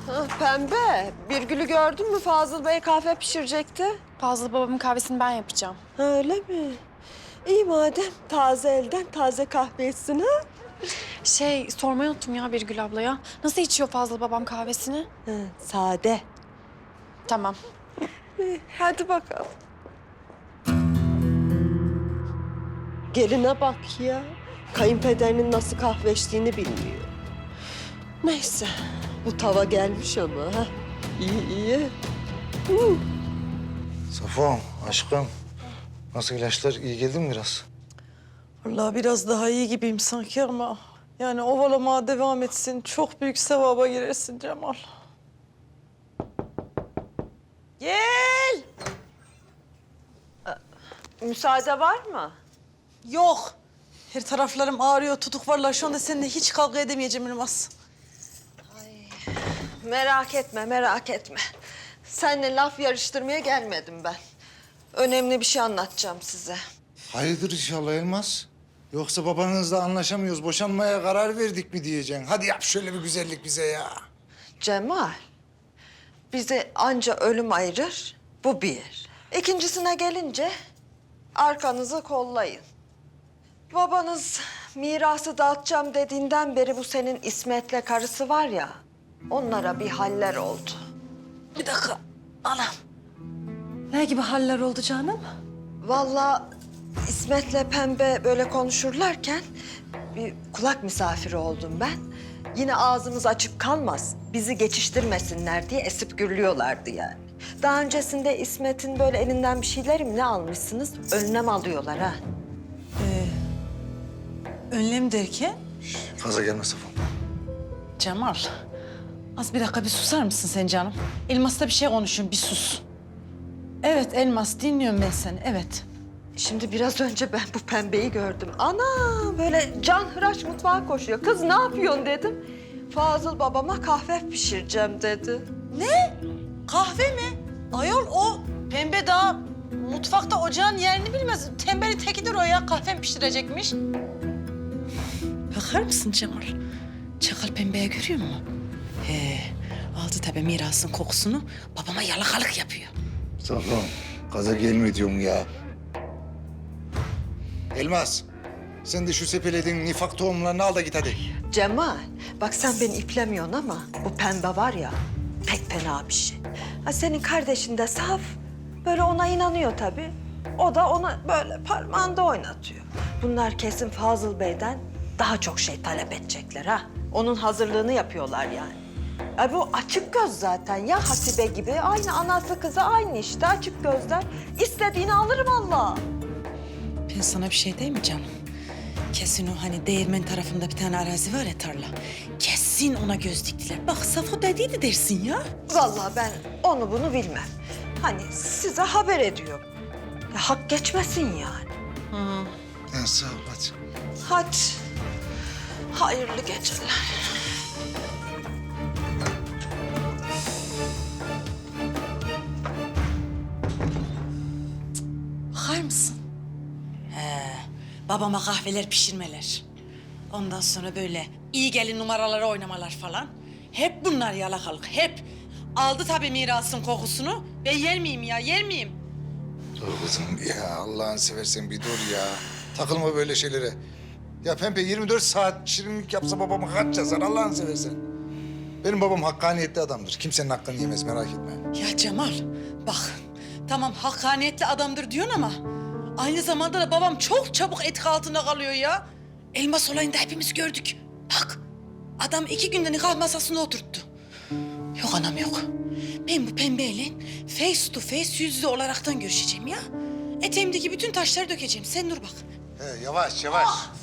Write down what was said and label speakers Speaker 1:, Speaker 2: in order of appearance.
Speaker 1: Ha, Pembe, Birgül'ü gördün mü? Fazıl Bey kahve pişirecekti.
Speaker 2: Fazıl babamın kahvesini ben yapacağım.
Speaker 1: Ha, öyle mi? İyi madem, taze elden taze kahve içsin ha?
Speaker 2: Sormayı unuttum ya Birgül ablaya. Nasıl içiyor Fazıl babam kahvesini?
Speaker 1: Ha, sade.
Speaker 2: Tamam.
Speaker 1: Hadi bakalım. Geline bak ya. Kayınpederinin nasıl kahve içtiğini bilmiyor. Neyse, bu tava gelmiş ama ha. İyi iyi.
Speaker 3: Safon, aşkım. Nasıl ilaçlar? İyi geldi mi biraz?
Speaker 4: Vallahi biraz daha iyi gibiyim sanki ama... Yani ovalamaya devam etsin. Çok büyük sevaba girersin Cemal. Gel!
Speaker 1: Müsaade var mı?
Speaker 4: Yok. Her taraflarım ağrıyor, tutuk varlar. Şu anda seninle hiç kavga edemeyeceğim Elmas.
Speaker 1: Merak etme, merak etme. Seninle laf yarıştırmaya gelmedim ben. Önemli bir şey anlatacağım size.
Speaker 3: Hayırdır inşallah Elmas? Yoksa babanızla anlaşamıyoruz, boşanmaya karar verdik mi diyeceksin? Hadi yap şöyle bir güzellik bize ya.
Speaker 1: Cemal, bizi anca ölüm ayırır, bu bir. İkincisine gelince arkanızı kollayın. Babanız mirası dağıtacağım dediğinden beri bu senin İsmet'le karısı var ya, onlara bir haller oldu.
Speaker 4: Bir dakika. Anam. Ne gibi haller oldu canım?
Speaker 1: Vallahi İsmet'le Pembe böyle konuşurlarken bir kulak misafiri oldum ben. Yine ağzımız açık kalmaz, bizi geçiştirmesinler diye esip gürlüyorlardı yani. Daha öncesinde İsmet'in böyle elinden bir şeyler mi ne almışsınız? Önlem alıyorlar ha.
Speaker 4: Önlem derken?
Speaker 3: Fazla gelme Safon.
Speaker 4: Cemal. Az bir dakika bir susar mısın sen canım? Elmas'la bir şey konuşuyorum, bir sus. Evet Elmas, dinliyorum ben seni, evet.
Speaker 1: Şimdi biraz önce ben bu Pembe'yi gördüm. Ana böyle canhıraş mutfağa koşuyor. Kız ne yapıyorsun dedim. Fazıl babama kahve pişireceğim dedi.
Speaker 4: Ne? Kahve mi? Ayol o pembe daha mutfakta ocağın yerini bilmez. Tembeli tekidir o ya, kahve mi pişirecekmiş? Bakar mısın Cemal? Çakal pembeye görüyor musun? Aldı tabii mirasın kokusunu, babama yalakalık yapıyor.
Speaker 3: Safon, gaza gelme diyorum ya. Elmas, sen de şu sepelediğin nifak tohumlarını al da git hadi.
Speaker 1: Cemal, bak sen beni iplemiyorsun ama bu Pembe var ya pek fena bir şey. Ha, senin kardeşin de saf. Böyle ona inanıyor tabii. O da ona böyle parmağında oynatıyor. Bunlar kesin Fazıl Bey'den daha çok şey talep edecekler ha. Onun hazırlığını yapıyorlar yani. Bu açık göz zaten ya Hasibe gibi. Aynı anası kızı aynı işte açık gözler. İstediğini alırım Allah.
Speaker 4: Ben sana bir şey diyeyim mi canım? Kesin o hani değirmen tarafında bir tane arazi var ya, tarla. Kesin ona göz diktiler. Bak Safo dediydi dersin ya.
Speaker 1: Vallahi ben onu bunu bilmem. Hani size haber ediyorum. Ya, hak geçmesin yani.
Speaker 3: Ya sağ ol hadi.
Speaker 1: Hadi. Hayırlı geceler.
Speaker 4: Bakar mısın? Babama kahveler pişirmeler. Ondan sonra böyle iyi gelin numaraları oynamalar falan. Hep bunlar yalakalık, hep. Aldı tabii mirasın kokusunu. Ben yer miyim ya, yer miyim?
Speaker 3: Dur kızım ya, Allah'ını seversen bir dur ya. Takılma böyle şeylere. Ya Pembe 24 saat şirinlik yapsa babama kaç yazar Allah'ını seversen. Benim babam hakkaniyetli adamdır. Kimsenin hakkını yemez, merak etme.
Speaker 4: Ya Cemal, bak tamam hakkaniyetli adamdır diyorsun ama... ...aynı zamanda da babam çok çabuk etki altında kalıyor ya. Elmas olayında hepimiz gördük. Bak, adam 2 günde nikah masasında oturttu. Yok anam yok. Ben bu pembeyle face to face yüz yüze olaraktan görüşeceğim ya. Eteğimdeki bütün taşları dökeceğim. Sen dur bak.
Speaker 3: He, yavaş yavaş.